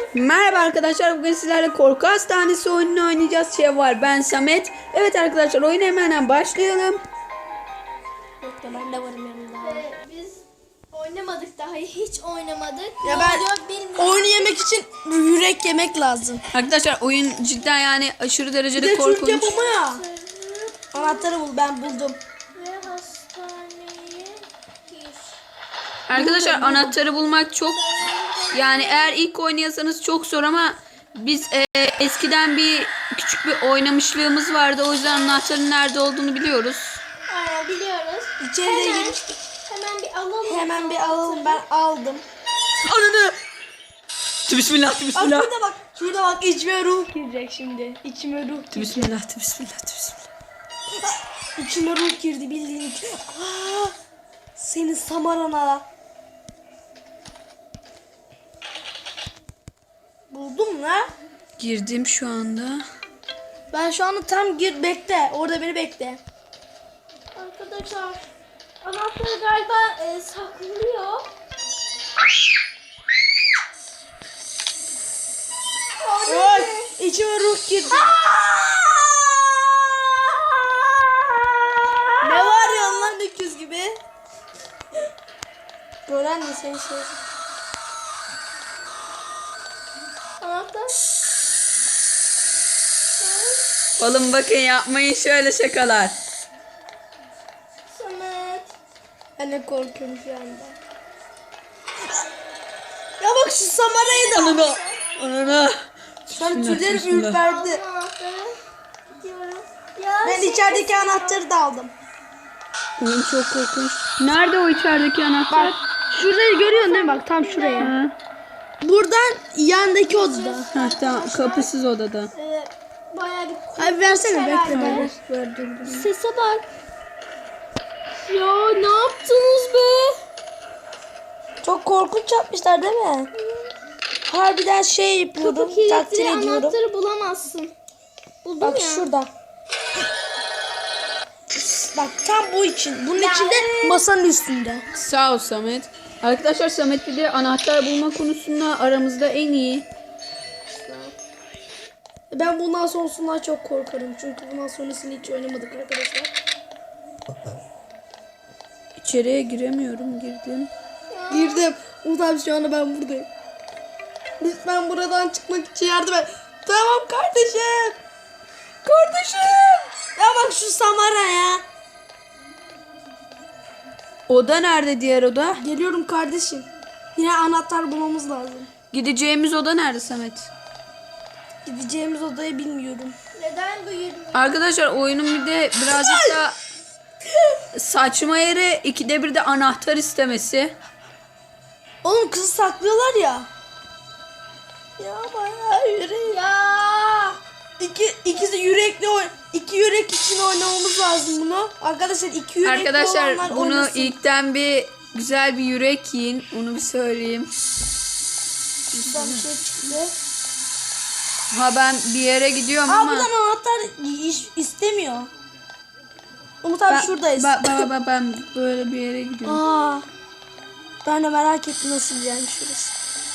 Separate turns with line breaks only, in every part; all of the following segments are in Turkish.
Merhaba arkadaşlar, bugün sizlerle Korku Hastanesi oyununu oynayacağız. Ben Samet. Evet arkadaşlar, oyuna hemen başlayalım.
Ben de varım yanında.
Biz oynamadık daha hiç oynamadık.
Ya
Ne
ben
oluyor bilmiyorum.
oyunu yemek için yürek yemek lazım.
Arkadaşlar oyun cidden yani aşırı
Bir
derecede
de Türk
korkunç.
yapımı ya. Anahtarı bul, ben buldum.
Ve hastaneye gir.
Arkadaşlar anahtarı bulmak çok yani eğer ilk oynayasanız çok zor ama biz eskiden bir küçük bir oynamışlığımız vardı. O yüzden anahtarın nerede olduğunu biliyoruz.
Aynen biliyoruz.
İçeriye
Hemen,
girmiştik.
hemen bir alalım.
Hemen bir alalım, ben aldım.
Ananı! Bismillah,
Bak
bismillah.
şurada bak içime ruh girecek şimdi. İçime ruh girecek.
Bismillah, bismillah, bismillah.
İçime ruh girdi bildiğin. Aa, senin samarana. Buldum la.
Girdim şu anda.
Ben şu anda tam bekle. Orada beni bekle.
Arkadaşlar anahtarı galiba saklıyor.
Oy, içime ruh girdi. Ne var ya lan öküz gibi? Gören mi seni şey?
Anahtar.
Oğlum bakın, yapmayın şöyle şakalar.
Samet.
Ben de korkuyorum şu anda. Ya bak şu Samara'yı da.
Ananı! Ananı!
Sana
Bismillah,
tüylerim
bismillah.
ürperdi.
Anahtarı. Gidiyorum. Ya
Ben içerideki anahtarı da aldım.
Oyun çok korkunç. Nerede o içerideki anahtar?
Şurayı görüyorsun değil mi? Bak tam şuraya.
Ha,
Buradan yandaki odada.
ha tamam, kapısız odada.
bayağı bir
Abi versene bekle
herhalde.
ben. Verdim.
Sese bak. Ya ne yaptınız be?
Çok korkunç yapmışlar değil mi? Harbiden şey yapıyordum.
Kapı
Takdir
kilitli
ediyorum.
anahtarı bulamazsın. Buldum
Bak
ya.
şurada. Bak tam bu için. Bunun içinde masanın üstünde.
Sağ ol Samet. Arkadaşlar Samet bir de anahtar bulma konusunda aramızda en iyi.
Ben bundan sonrasından çok korkarım. Çünkü bundan sonrasını hiç oynamadık arkadaşlar.
İçeriye giremiyorum, girdim.
Girdim. Umut abi şu anda ben buradayım. Lütfen buradan çıkmak için yardım et. Tamam kardeşim. Kardeşim. Ya bak şu Samara ya.
Oda nerede, diğer oda?
Geliyorum kardeşim. Yine anahtar bulmamız lazım.
Gideceğimiz oda nerede Samet?
Gideceğimiz odayı bilmiyorum.
Neden bu yürüyor?
Arkadaşlar oyunun bir de birazcık da saçma yeri, ikide bir de anahtar istemesi.
Oğlum kızı saklıyorlar ya. Ya bayağı yürek.
Ya.
İkisi yürekli iki yürek için oynamamız lazım bunu. Arkadaşlar iki yürekli
Arkadaşlar
olanlar
bunu
oynasın.
ilkten bir güzel bir yürek yiyin. Onu bir söyleyeyim.
Şuradan bir şey çıktı.
Ha ben bir yere gidiyorum
Aa
ama.
buradan anahtar istemiyor. Umut abi şuradayız.
Ben böyle bir yere gidiyorum.
Aa, ben de merak ettim nasıl yani şurası.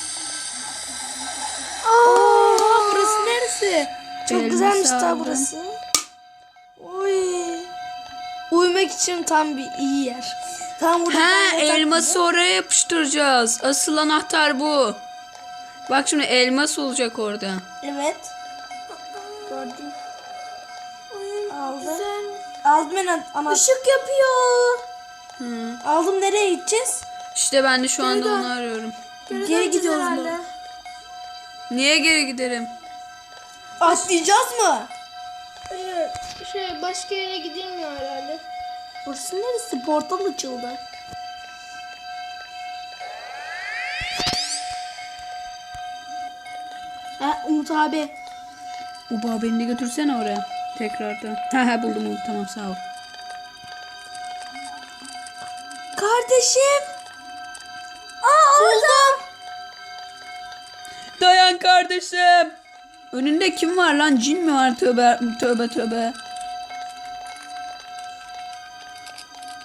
Aa, burası neresi? Çok
Elmas
güzelmiş
aldım.
ta burası. Oy. Uyumak için tam bir iyi yer. Tam burada.
Ha,
bir yatak
elması oraya yapıştıracağız. Asıl anahtar bu. Bak şimdi elmas olacak orada.
gibi. Evet. Gördüm. Aldım. Aldım ben anahtarı.
Işık yapıyor.
Hı.
Aldım, nereye gideceğiz?
İşte ben de şu anda onu arıyorum.
Geri gidiyoruz mu?
Niye geri giderim?
Atlayacağız mı?
Hayır. Başka yere gidilmiyor herhalde.
Burası neresi? Portal açıldı. Ha Umut abi.
Uba beni de götürsene oraya. Tekrardan. Ha buldum, tamam sağ ol.
Kardeşim. Aa orada.
Dayan kardeşim. Önünde kim var lan? Cin mi var? Tövbe tövbe tövbe.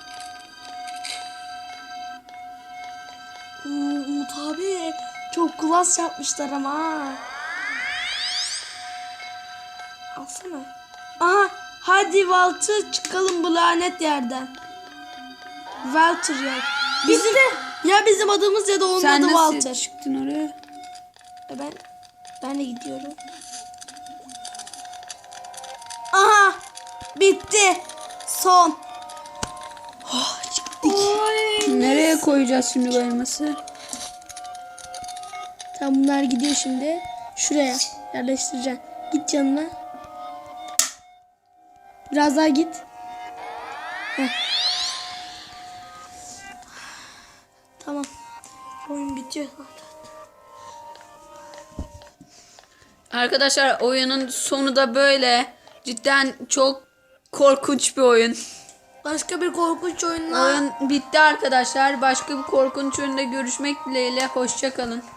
Umut abi çok kulak Plus yapmışlar ama ha. Alsana. Aha. Hadi Walter çıkalım bu lanet yerden. Walter ya. Bizim, ya bizim adımız ya da onun
Sen
adı
nasıl
Walter.
çıktın oraya?
Ben de gidiyorum. Aha. Bitti. Son. Oh, çıktık.
Nereye koyacağız şimdi bu elması?
Tamam bunlar gidiyor şimdi. Şuraya yerleştireceğim. Git yanına. Biraz daha git. Heh. Tamam. Oyun bitiyor zaten.
Arkadaşlar oyunun sonu da böyle. Cidden çok korkunç bir oyun.
Başka bir korkunç oyunla
Oyun bitti arkadaşlar. Başka bir korkunç oyunda görüşmek dileğiyle. Hoşça kalın.